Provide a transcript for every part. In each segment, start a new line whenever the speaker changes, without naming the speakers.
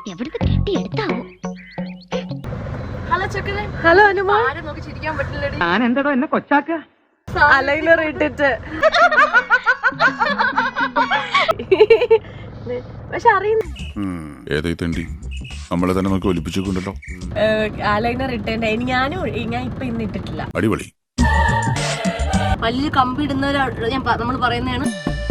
എവിടുന്ന് കെട്ടിയെടുത്താവോ?
ഹലോ ചെക്കനെ.
ഹലോ അനുമോൾ.
ആരും നോക്കി ചിരിക്കാൻ പറ്റില്ലടി.
ഞാൻ എന്തടോ എന്നെ കൊച്ചാക്ക
അലൈനർ ഇട്ടിട്ട് പക്ഷെ അറിയുന്ന
നമ്മളെ തന്നെ നമുക്ക് ഒലിപ്പിച്ചോണ്ടല്ലോ.
അലൈനർ ഇട്ടേണ്ട ഞാൻ ഇപ്പൊ ഇന്ന് ഇട്ടിട്ടില്ല.
അടിപൊളി.
വലിയ കമ്പി ഇടുന്നവരാ നമ്മൾ പറയുന്നതാണ്.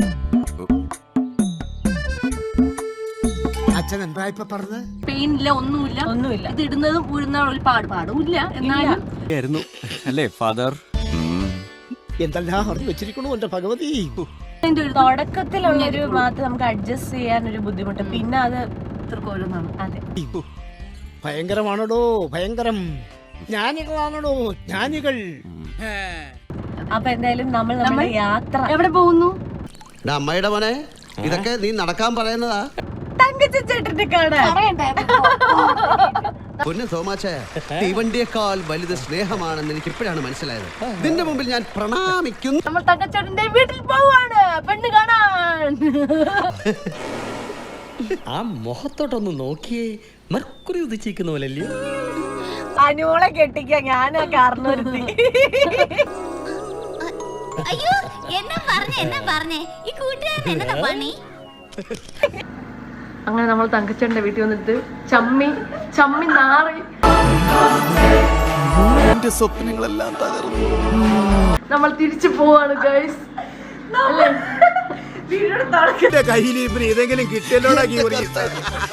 അച്ഛൻ എന്താ ഇപ്പൊ പറഞ്ഞത്?
പെയിൻ ഇല്ല, ഒന്നുമില്ല. ഇത് ഇടുന്നതും ഊരുന്ന ഒരു പാടുമില്ല. എന്നാലും
അല്ലേ ഫാദർ?
എന്തെല്ലാം അറിഞ്ഞു വെച്ചിരിക്കണു എന്റെ ഭഗവതി.
തുടക്കത്തിലുള്ളൊരു മാത്രം നമുക്ക് അഡ്ജസ്റ്റ് ചെയ്യാൻ ഒരു ബുദ്ധിമുട്ട്, പിന്നെ അത്
ഓരോന്നാണ്.
അതെ,
ഭയങ്കരമാണോ ഭയങ്കരം. ജ്ഞാനികളാണോ ജ്ഞാനികൾ.
അപ്പൊ എന്തായാലും നമ്മുടെ യാത്ര
എവിടെ പോകുന്നു?
അമ്മയുടെ മോനെ, ഇതൊക്കെ നീ നടക്കാൻ പറയുന്നതാ?
തങ്കച്ചേട്ടന്റെ കാണാൻ
പൊന്നു തോമാച്ചേ, തീവണ്ടിയേക്കാൾ വലുത് സ്നേഹമാണെന്ന് എനിക്ക് ഇപ്പോഴാണ് മനസ്സിലായത്. ഇതിന്റെ മുമ്പിൽ ഞാൻ പ്രണാമിക്കുന്നു.
നമ്മൾ തങ്കച്ചേട്ടന്റെ വീട്ടിൽ പോവാണ് പെണ്ണ് കാണാൻ.
ആ മുഖത്തോട്ടൊന്ന് നോക്കിയേ, മർക്കുറി ഉദിച്ചിരിക്കുന്ന പോലല്ലോ.
അനുമോളെ കെട്ടിക്ക ഞാനാ കാരണവരുത്തി.
അയ്യോ എന്നാ പറഞ്ഞേ ഈ കൂട്ടുകാരൻ എന്നതാ പണി?
അങ്ങനെ നമ്മൾ തങ്കച്ചേട്ടന്റെ വീട്ടിൽ വന്നിട്ട് ചമ്മി നാറി
സ്വപ്നങ്ങളെല്ലാം തകർന്നു.
നമ്മൾ തിരിച്ചു പോവാണ് ഗൈസ്.
കയ്യിൽ ഏതെങ്കിലും കിട്ടിയല്ലോടാ.